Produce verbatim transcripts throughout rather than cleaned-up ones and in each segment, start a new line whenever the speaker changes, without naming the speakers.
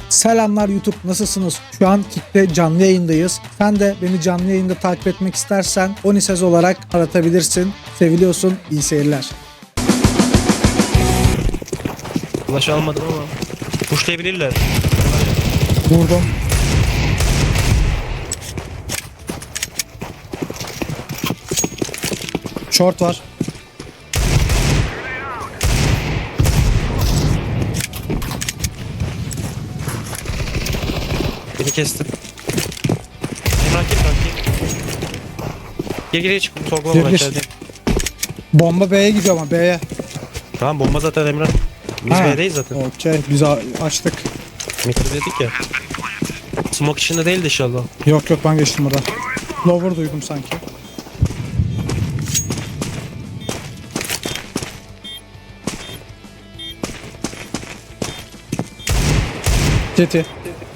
Selamlar YouTube, nasılsınız? Şu an Kick'te canlı yayındayız. Sen de beni canlı yayında takip etmek istersen Onisez olarak aratabilirsin. Seviliyorsun, iyi seyirler.
Ulaş almadım ama pushlayabilirler.
Vurdum. Short var.
Beni kestim. Emrah gir kanki. Gir gir çık. Sorgulama
Gir,
ben
gir.
içerideyim.
Bomba B'ye gidiyor ama B'ye.
Tamam bomba zaten Emrah. Biz
Ha,
B'deyiz zaten.
Okey, biz a- açtık.
Mikro dedik ya. Smoke içinde değildi inşallah.
Yok yok, ben geçtim burada. Lower duydum sanki. Titi.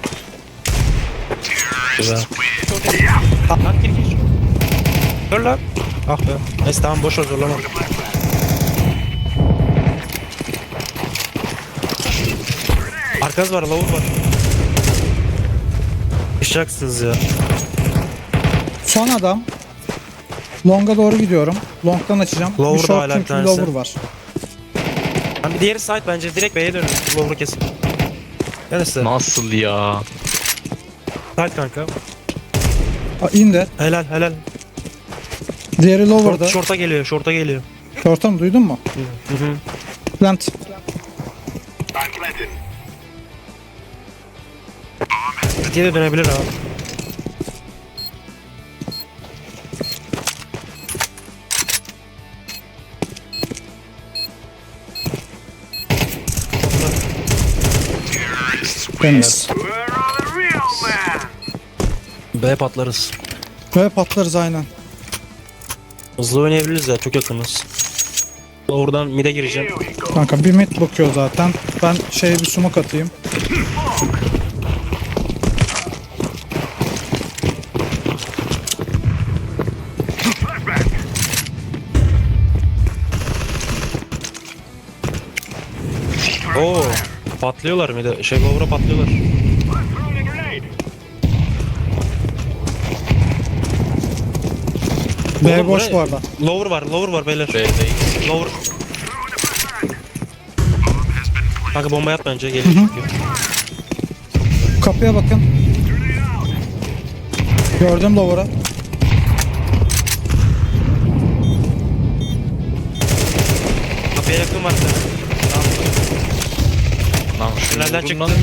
Güzel. Lan gir gir. Dur lan. Ah be. Neyse tamam boş ver zorlama. Arkanız var, lavuk var. Düşeceksiniz ya.
Son adam. Long'a doğru gidiyorum. Long'dan açacağım.
Lower
bir
da
short
hala bir
çünkü
tanesi.
lower var.
Hani bir diğeri side bence direkt B'ye dönün. Lower'ı kesin. Neresi?
Nasıl ya?
Side kanka.
Aa, indi.
Helal helal.
Diğeri
Short,
lower'da.
short'a geliyor, short'a geliyor.
Short'a mı, duydun mu?
Hı hı.
Plant.
City'ye de dönebilir abi.
Temiz.
B patlarız.
Böyle patlarız aynen.
Hızlı oynayabiliriz ya, çok yakınız. Oradan mid'e gireceğim.
Kanka bir mid bakıyor zaten. Ben şeye bir smoke atayım.
Oo, patlıyorlar mid'e. Şey lower'a patlıyorlar.
B
Oğlum,
boş
buraya-
bu arada.
Lower var, lower var beyler.
B'deyiz.
Lower. Kanka bomba yat bence, geliyor çünkü.
Kapıya bakın. Gördüm lower'ı.
Kapıya yakın var.
Lan şunu
Tünelden
vurun
çıktı.
lan.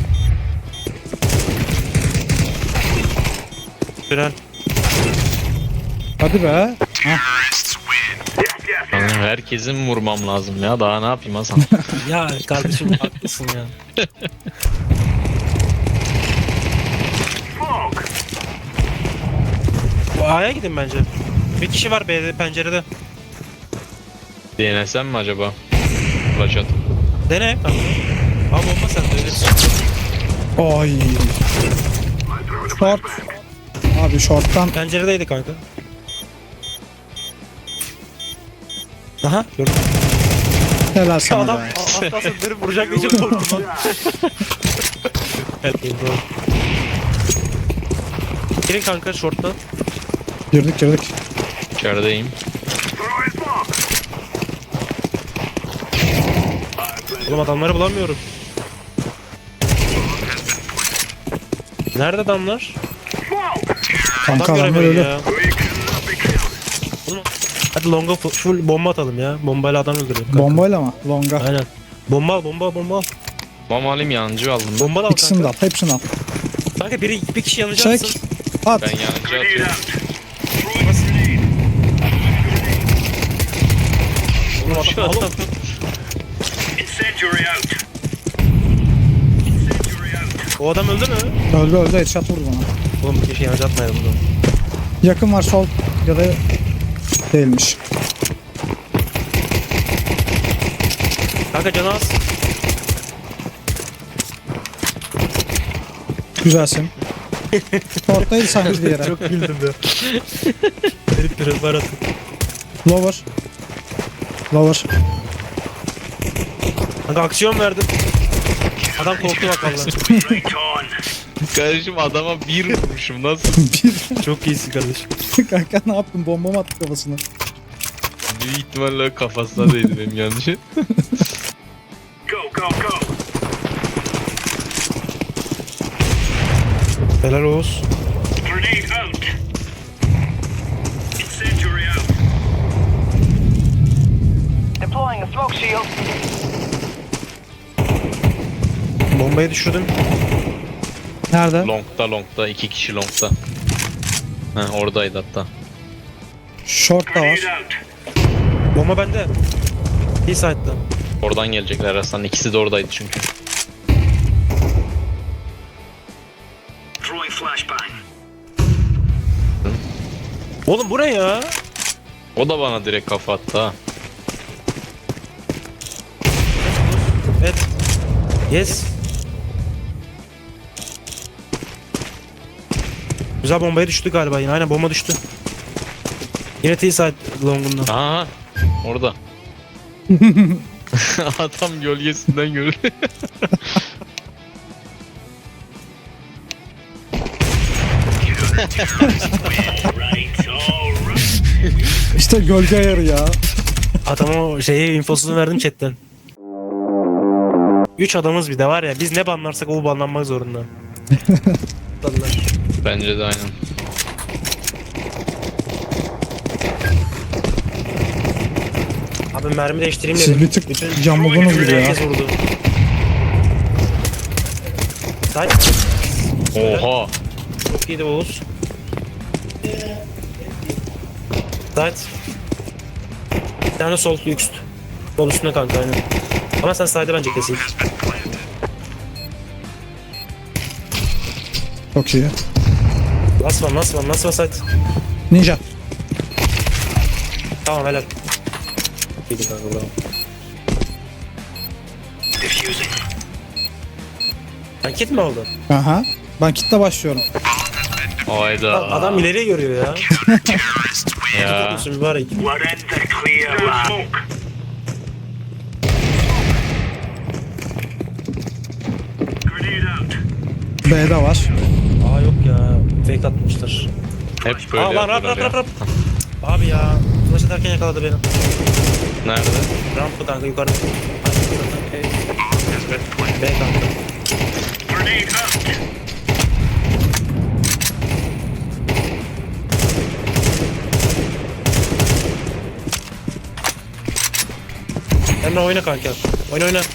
Tünel.
Hadi be. Heh.
Lan herkesin mi vurmam lazım ya? Daha ne yapayım Hasan?
Ya kardeşim haklısın ya. Bu A'ya gidin bence. Bir kişi var B'de, pencerede.
Denesem mi acaba? Flash at.
Dene kanka. Al bomba sen de öyle.
Ay. Short. Abi short'tan
Penceredeydi kanka. Aha gördüm.
helal sana
Adam
be.
atlasın dönüp vuracak diye çok korktum lan. Evet doğru. Girin kanka short'tan.
Girdik girdik.
İçerideyim.
Oğlum adamları bulamıyorum. Nerede adamlar?
Kanka
Adam
adamlar
göremiyorum
öyle.
ya. Oğlum, hadi longa fu- full bomba atalım ya. Bombayla adam öldürelim kanka.
Bombayla mı? Longa.
Aynen. Bomba al, bomba al, bomba al.
Mama alayım yancı aldım. Ben,
Bomba da al
İkisini de
kanka.
al. Hepsini al.
Kanka biri bir kişi yanacaksın.
Çek. At.
ben yancı atıyorum.
Oğlum adam al. O adam öldü mü?
Öldü öldü. Headshot vurdu bana.
Oğlum bir kişi yanıcı atmayalım bunu.
Yakın var sol ya da değilmiş.
Kanka canı az.
Güzelsin. Short'taydı sanki bir yere.
Çok güldüm de. Herif bir var atın.
Lower. Lower.
Kanka aksiyon verdim. Adam korktu bak vallahi.
Kardeşim adama bir vurmuşum nasıl?
Çok iyisin kardeşim.
Kanka ne yaptın? Bomba mı attı kafasına?
Büyük ihtimalle kafasına değdi benim yanlışım.
Helal Oğuz.
Deploying a smoke shield.
Bombayı düşürdüm.
Nerede?
Long'da long'da iki kişi long'da. Ha oradaydı hatta.
Short da var.
Bomba bende. B-side'da.
Oradan gelecekler Hasan. İkisi de oradaydı çünkü.
Oğlum bu ne ya?
O da bana direkt kafa attı ha.
Evet. Yes. Güzel bombaya düştü galiba yine. Aynen bomba düştü. Yine T-side long'undan.
Aha orada. Adam gölgesinden gördü.
İşte gölge ayarı ya.
Adama o şeyi infosunu verdim chatten. Üç adamız bir de var ya, biz ne banlarsak o banlanmak zorunda. Banlar.
Bence de aynen.
Abi mermi değiştireyim
Siz
dedim.
bir tık camladınız gibi ya.
Herkes vurdu. Say.
Oha.
Çok iyiydi Oğuz. Side. Bir tane sol üst. Sol üstüne kanka aynen. Ama sen side'e bence kesin.
Çok iyi.
Last one, last one, last one side.
Ninja.
Tamam helal. İyiydi kanka bravo. Sen kit mi oldun?
Aha. Ben kitle başlıyorum.
Hayda.
Adam ileriye görüyor ya.
Ya.
Tutmuşsun mübarek.
B'de var.
Aa yok ya. Fake atmışlar.
Hep böyle
Aa lan rap rap
yapıyorlar
rap
ya.
rap. Abi ya. Flash atarken yakaladı beni.
Nerede?
Rampı kanka yukarıda. B kanka. Emre oyna kanka. Oyna oyna.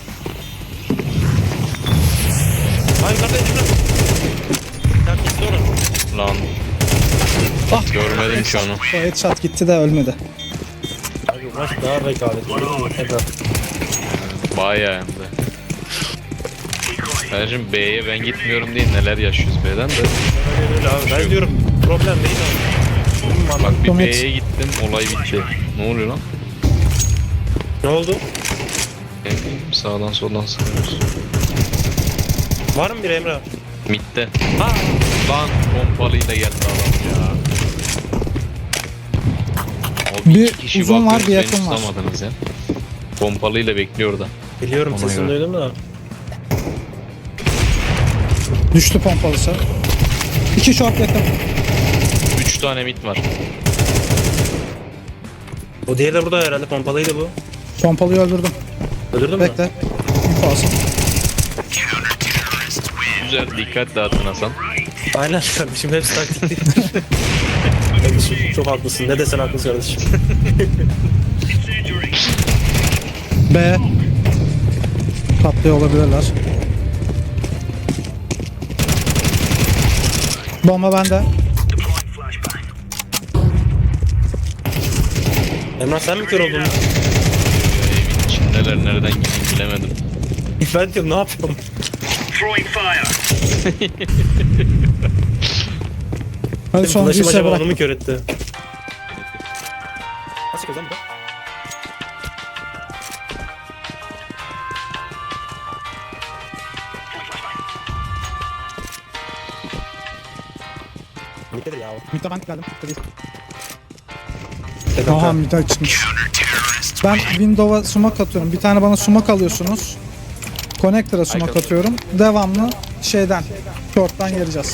Ay yukarıda Emre. Sen kesin onu.
Lan.
Ah.
Görmedim ki onu.
O headshot gitti de ölmedi.
Abi maç daha rekabetli. Tekrar.
Bayağı hem de. Kardeşim B'ye ben gitmiyorum değil neler yaşıyoruz B'den de.
Öyle öyle abi. Ben diyorum problem değil abi.
Bak bir
Tomat.
B'ye gittim olay bitti. Ne oluyor lan?
Ne oldu?
Ne bileyim sağdan soldan sıkıyoruz.
Var mı bir Emre?
Mid'de. Ha! Lan pompalıyla geldi adam ya. O
Bir
iki kişi
uzun var,
bakıyoruz,
bir
beni
yakın var.
tutamadınız ya. Pompalıyla bekliyor orada.
Biliyorum
Ona
sesini
göre.
duydum da.
Düştü pompalısı. İki short yakın.
Üç tane mid var.
O diğeri de burada herhalde, pompalıydı bu.
Pompalıyı öldürdüm.
Öldürdün mü?
Bekle. İnfo alsın.
Güzel dikkat dağıtın Hasan.
Aynen kardeşim, hepsi taktik değil. Kardeşim çok haklısın. Ne desen haklısın kardeşim.
B. Patlıyor olabilirler. Bomba bende.
Emrah sen mi kör oldun?
Ya, evin içindeler nereden gideyim bilemedim.
Ben diyorum ne yapıyorum?
Hadi sonuncuyu
Flash'ım
size
acaba
bırak.
onu mu kör etti? Nasıl kazan bu? Mitedir ya o.
Mid'e ben geldim. Mid'e değil.
Tekrar
Aha mid'e çıkmış. Ben window'a sumak atıyorum. Bir tane bana sumak alıyorsunuz. Connector'a smoke atıyorum. Devamlı şeyden, short'tan geleceğiz.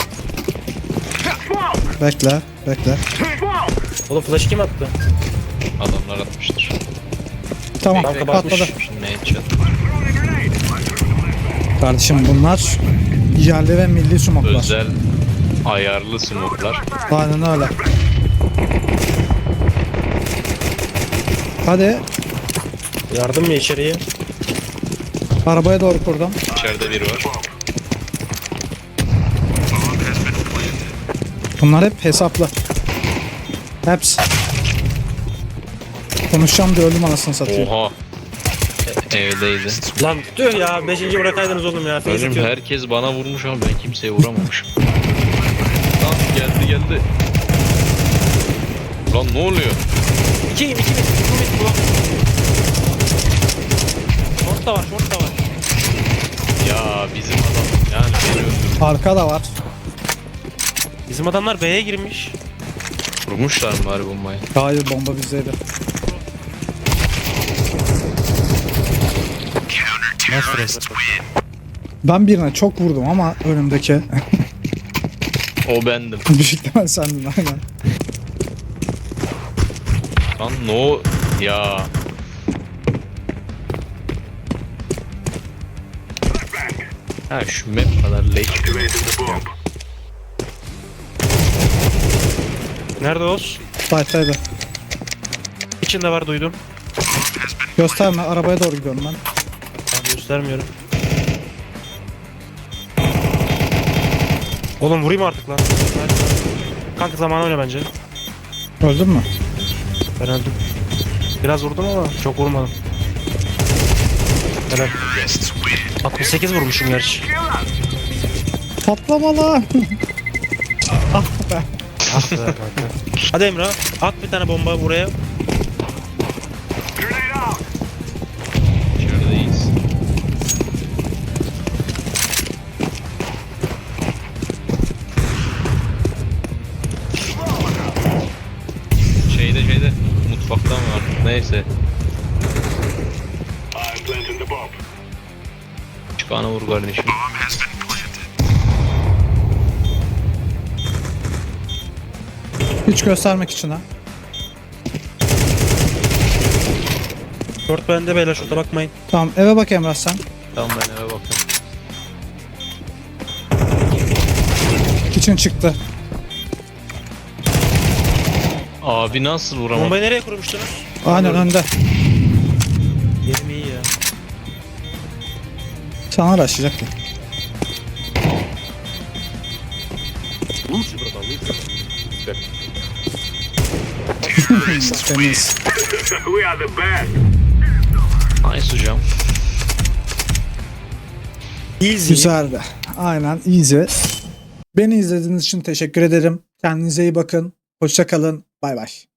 Bekle, bekle.
Oğlum flash kim attı?
Adamlar atmıştır.
Tamam,
Kanka
patladı.
bakmış.
Şimdi headshot.
Kardeşim bunlar yerli ve milli smoke'lar.
Özel ayarlı smoke'lar.
Aynen öyle. Hadi
Yardım mı içeriye?
arabaya doğru kurdum.
İçeride biri var.
Bunlar hep hesaplı. Hepsi. Konuşacağım diye öldüm anasını satayım.
Oha. E- evdeydi.
Lan tüh ya. Beşinci bırakaydınız oğlum ya. Face
Benim
atıyor.
herkes bana vurmuş ama ben kimseye vuramamışım. Lan geldi geldi. Lan ne oluyor?
İki iki iki iki iki blok. Short da var, short da var.
Ya bizim adam yani beni öldürdü.
Arka da var.
Bizim adamlar B'ye girmiş.
Vurmuşlar mı bari bombayı?
Hayır, bomba bizdeydi.
Nasıl resmen?
Ben birine çok vurdum ama önümdeki
O bendim.
büyük ihtimal sendin aynen.
Lan no ya. Ha şu map kadar leş bir map.
Nerede Oz?
Fight'taydı.
İçinde var duydum.
Gösterme, arabaya doğru gidiyorum ben.
Abi göstermiyorum. Oğlum vurayım artık lan. Hadi. Kanka zamanı oyna bence.
Öldün mü?
Ben öldüm. Biraz vurdum ama çok vurmadım. Helal. altmış sekiz vurmuşum gerçi.
Patlama lan. Ah be.
Ah be kanka. Hadi Emrah at bir tane bomba buraya.
İçerideyiz. Şeyde şeyde mutfakta mı var? Neyse. Çıkana vur kardeşim.
Hiç göstermek için ha.
Short bende beyler şurada bakmayın.
Tamam, eve bak Emrah sen.
Tamam ben eve bakıyorum.
İçin çıktı.
Abi nasıl vuramam?
Bombayı nereye kurmuştunuz?
Aynen önde.
Yerim iyi ya.
Sana araştıracaktı. Temiz.
Nice hocam.
Easy.
Güzeldi. Aynen, easy. Beni izlediğiniz için teşekkür ederim. Kendinize iyi bakın. Hoşça kalın. Bay bay.